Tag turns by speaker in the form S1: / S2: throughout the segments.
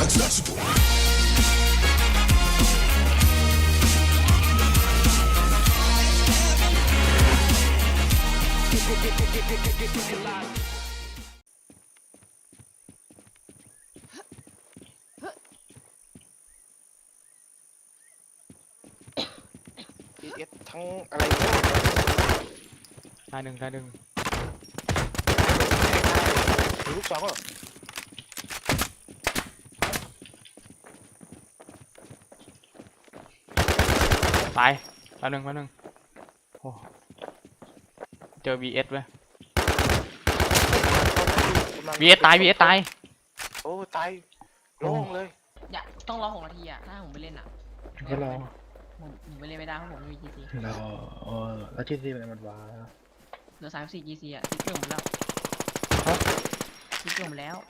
S1: ทั้งอะไร
S2: ตายหนึ่ง
S1: ลูกสองก็
S2: ตายหนึ่งโอ้เจอ VS เว้ย VS ตาย
S1: โอ้ตายโล่งเลย
S3: อย่าต้องรอ6 นาทีอ่ะถ้าผมไปเล่นอ่ะ
S4: ก็รอ
S3: ผมไปเล่นไม่ได้เพราะผมไม่มี GC
S4: รอแล้ว GC มันว้า
S3: เหลือ34 GC อ่ะซิกเกิลหมดแล้วซิกเกิลหมดแล้ว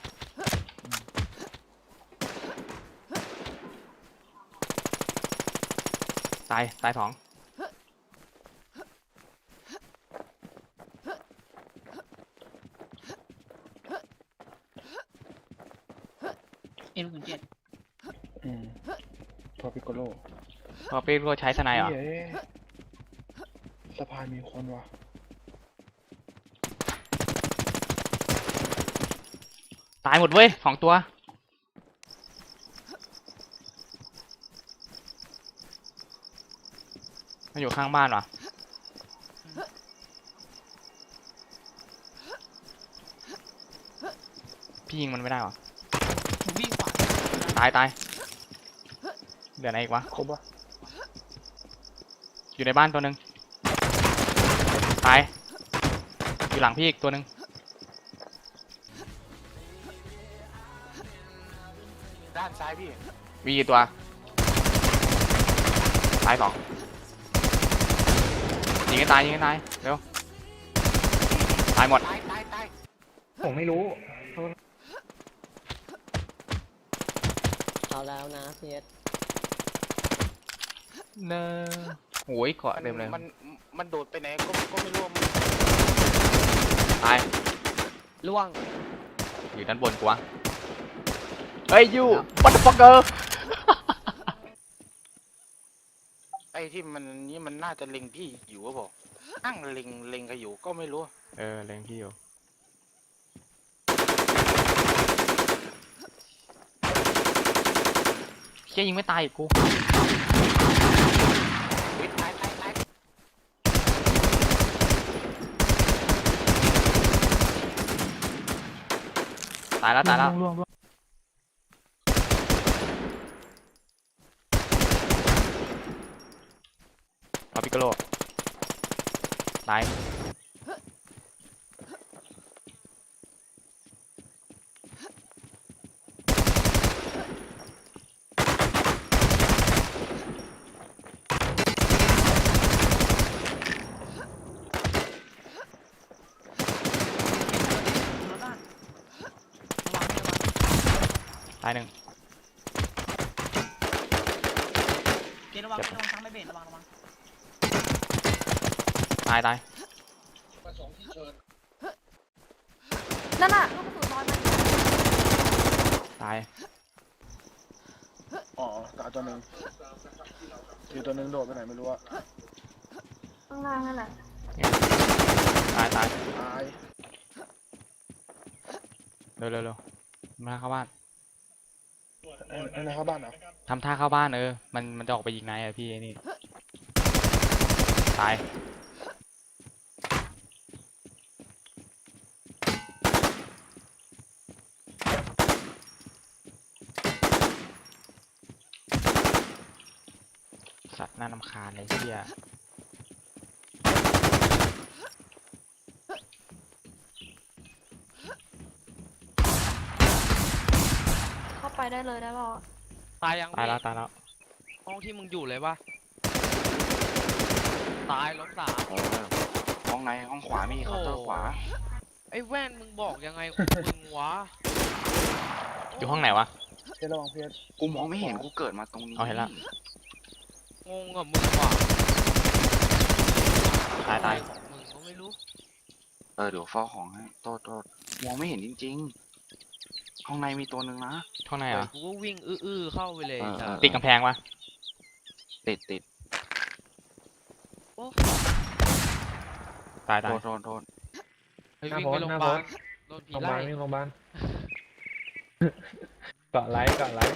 S2: ตาย2
S3: M07
S4: พอปิโกโล
S2: พอเป๊กก็ใช้สไนเหรอ
S4: สะพานมีคนวะ
S2: ตายหมดเว้ย2 ตัวมันอยู่ข้างบ้านวะพี่ยิงมันไม่ได้หรอ
S3: ผมวิ่งขวา
S2: ตายเดี๋ยวไหนอีกวะ
S4: ครบวะ
S2: อยู่ในบ้านตัวหนึ่งตายอยู่หลังพี่อีกตัวหนึ่ง
S1: ด้านซ้ายพี่
S2: มีกี่ตัวตาย2ยิงให้ตายเร็วตายหมด
S1: ตาย
S4: ผมไม่รู้
S5: เอาแล้วนะเพียร
S2: เนอโอ้ยเกาะเต็มเลย
S1: มันโดดไปไหนก็ไม่รู้
S2: ตาย
S5: ล่วง
S2: อยู่ด้านบนกูวะเฮ้ยยูวัตถุฟักเกอร์
S1: ไอ้ที่มันน่าจะเล็งพี่อยู่ก็บอกนั่งเล็งกันอยู่ก็ไม่รู้
S2: เล็งพี่อยู่เชี่ยยิงไม่ตายอีกกูตายแล้วเอาปิกโกโลตาย1
S3: เกระวังทั้งไม่เบนระวัง
S2: ตาย
S6: นั่นน่ะลูกกระสุนลอยมา
S2: ตาย
S4: ตายตัวหนึ่งอีกตัวหนึ่งโดดไปไหนไม่รู้อะ
S6: ข้างล่างนั่นแหละ
S2: ตาย
S4: ตาย
S2: เร็วมาเข้าบ้าน
S4: อะไรเข้าบ้านเหรอ
S2: ทำท่าเข้าบ้านมันจะออกไปยิงนายอะพี่นี่ตายสัตว์น่ารำคาญเลยเชี่ย
S6: เข้าไปได้เลยได้ป่ะ
S5: ตายยัง
S2: ตายแล้ว
S5: ห้องที่มึงอยู่เลยปะตายล้ม3
S1: ห้องไหนห้องขวามีเคาน์เตอร์ขวา
S5: ไอ้แว่นมึงบอกยังไงของมึงวะ
S2: อยู่ห้องไหนวะ
S4: เพื่อนระวังเพื่อน
S1: กูมองไม่เห็นกูเกิดมาตรงนี้
S2: เห็นละ
S5: งงกับมึงว่ะ
S2: ตาย
S5: มึงก็ไม่รู้
S1: เดี๋ยวเฝ้าของให้โทษมองไม่เห็นจริงๆข้างในมีตัวหนึ่งนะ
S2: ข้างในเหรอ
S5: กูก็วิ่งอื้อๆเข้าไปเลยจ้ะ
S2: ติดกำแพงวะ
S1: ติด
S5: โอ้
S2: ตาย
S1: โทษ
S5: ไปวิ่งไปโรงพยาบาลโดนผี
S4: โรงพยา
S5: ไล่
S4: บาลนี่โรงพยาบาล เกาะไลท์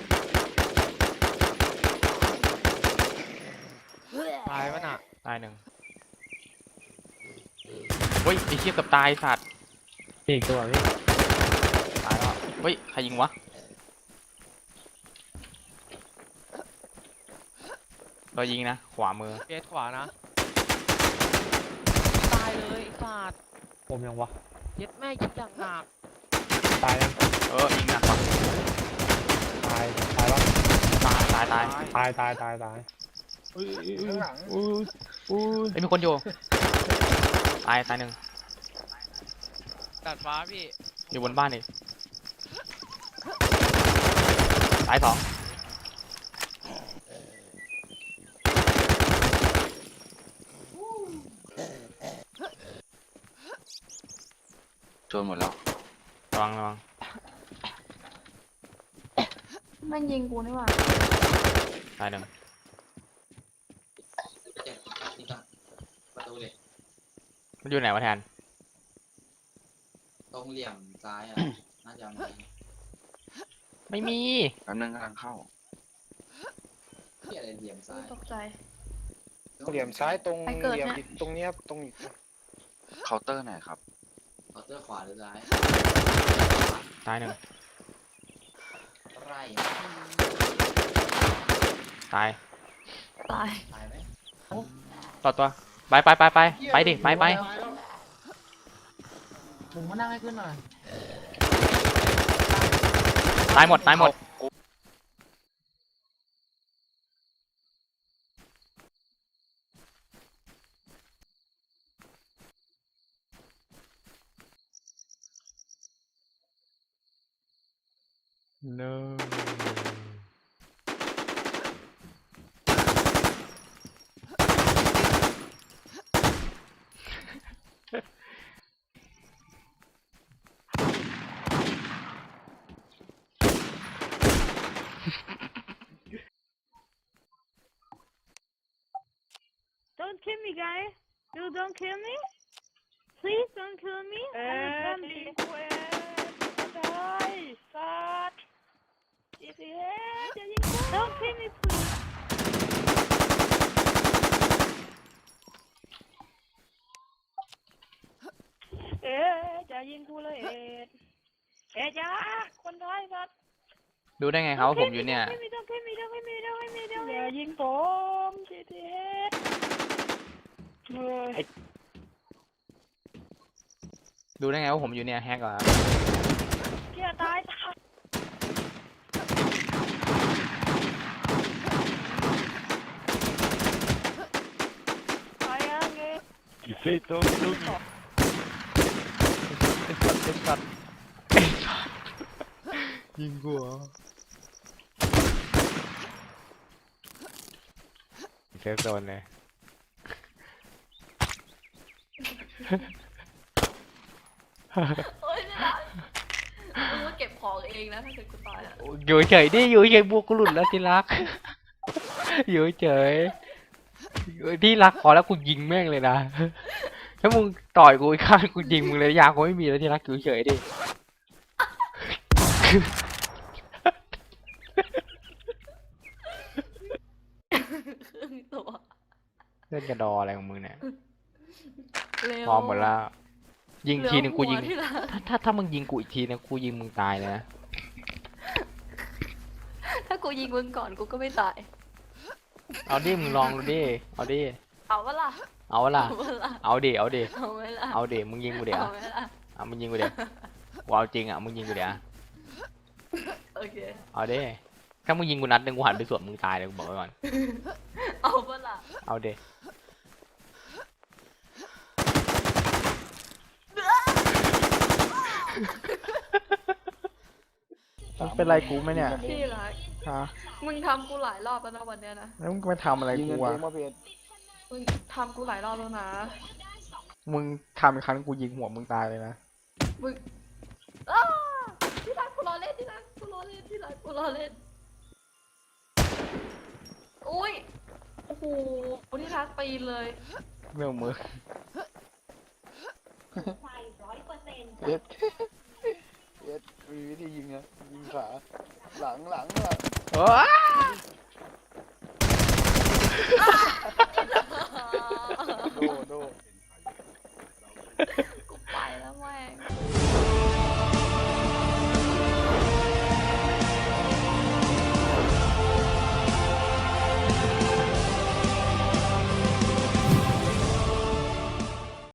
S5: ตายปะน่ะ
S2: ตายหนึ่งเฮ้ยไอ้เชี่ยกับตายสัตว์
S4: อีกตัวพี่
S2: ตายแล้วเฮ้ยใครยิงวะเรายิงนะขวามือ
S5: เกตขวานะตายเลยไอ้สัตว์
S4: ผมยังวะ
S5: เย็ดแม่ยิงอย่างหนัก
S4: ตายยัง
S2: ยิงหนักว่ะ
S4: ตายแล้ว
S2: ตาย
S4: ตาย
S1: ข้างหลัง
S2: เฮ้ยมีคนอยู่ตายหนึ่ง
S5: ตัดฟ้าพี่
S2: อยู่บนบ้านอีกตายสอง
S1: โจนหมดแล้ว
S2: ระวัง
S6: แม่งยิงกูนี่หว่า
S2: ตายหนึ่ง
S7: ประตูเหล็ก
S2: มันอยู่ไหนวะแทน
S7: ตรงเหลี่ยมซ้ายอ่ะ น่าจะมา
S2: ไม่มี
S1: แป๊บนึงกำลังเข้า
S7: ที่อะไรเหลี่ยมซ้าย
S6: ตกใจ
S1: เหลี่ยมซ้ายตรง
S6: ไปเกิด
S1: เหลี่ยม
S6: เนี่ย
S1: อีกตรงเนี้ยตรงอีกเคาน์เตอร์ไหนครับ
S7: เคาน์เตอร์ขวาหรือซ้าย
S2: ตายหนึ่ง
S7: ไร่
S2: ตาย
S6: ตาย
S7: ตายไหม
S2: ต่อตัวไปดิไป
S3: ผมมานั่งให้ขึ้นหน่อย
S2: ตายหมดno
S8: Don't kill me, guys. You don't kill me. Please don't kill me. I'm die, fuck. If you have, then you don't kill me, please. Dyingกูเลยจ้าคนไทยครับ
S2: ดูได้ไงครับว่าผมอยู่เนี่ย
S8: อย่ายิงผมจีทีเอสเฮ้ย
S2: ดูได้ไงว่าผมอยู่เนี่ยแฮกเหรอ
S8: เกียตายตายยังไง
S2: สัตว์ยิงกูเหรอเซฟโซนเลย
S6: โอ๊ยไม่ได้มึงมาเก็บของเองนะถ้าเกิดกูตายอ่ะ
S2: อยู่เฉยดิอยู่เฉยบวกกูหลุดแล้วที่รัก อยู่เฉยที่รักพอแล้วกูยิงแม่งเลยนะ ถ้ามึงต่อยกูอีกข้างกูยิงมึงเลยยากูไม่มีแล้วที่รักอยู่เฉยดิ
S6: ครึ่งตัว
S2: เล่นกระดออะไรของมึงเนี่ย
S6: เร็ว
S2: พร้อมหมดแล้ว ยิงทีนึงกูยิง
S6: เหลือหัวที่หลัง
S2: ถ้ามึงยิงกูอีกทีนะกูยิงมึงตายเลยนะ
S6: ถ้ากูยิงมึงก่อนกูก็ไม่ตาย
S2: เอาดิมึงลองดูดิเอาดิ
S6: เอาวะล่ะ
S2: เอาวะล่ะ
S6: เอาวะล่ะ
S2: เอาดิเอาดิ
S6: เอาไหมล่ะ
S2: เอาดิมึงยิงกูเดี๋ยว
S6: เอาไหมล่ะ
S2: เอามึงยิงกูเดี๋ยวกูเอาจริงอ่ะมึงยิงกูเดี๋ยว
S6: โอเค
S2: เอาดิถ้ามึงยิงกูนัดหนึงกูหันไปสวนมึงตายเลยกูบอกไว้ก่อน
S6: เอาวะล่ะ
S2: เอาดิมึงเป็นไรกูไหมเนี่ย
S6: พี่รัก
S2: ฮะ
S6: มึงทำกูหลายรอบแล้วนะวันเนี้ยนะ
S2: แล้วมึงมาทำอะไร
S1: ยิง
S2: กู
S1: เงินเอ
S2: อ่ะ
S1: งมาเพจ
S6: มึงทำกูหลายรอบแล้วนะ
S2: มึงทำอีกครั้งกูยิงหัวมึงตายเลยนะ
S6: มึงอ้าพี่รักกูรอเล่นที่กูรอเล่นอุ้ยโอ้โหที่รักปีนเลย
S2: เมื่อมือ
S4: เอ็ดเอ็ดมีวิธียิงนะยิงขาหลัง
S2: โอ้ย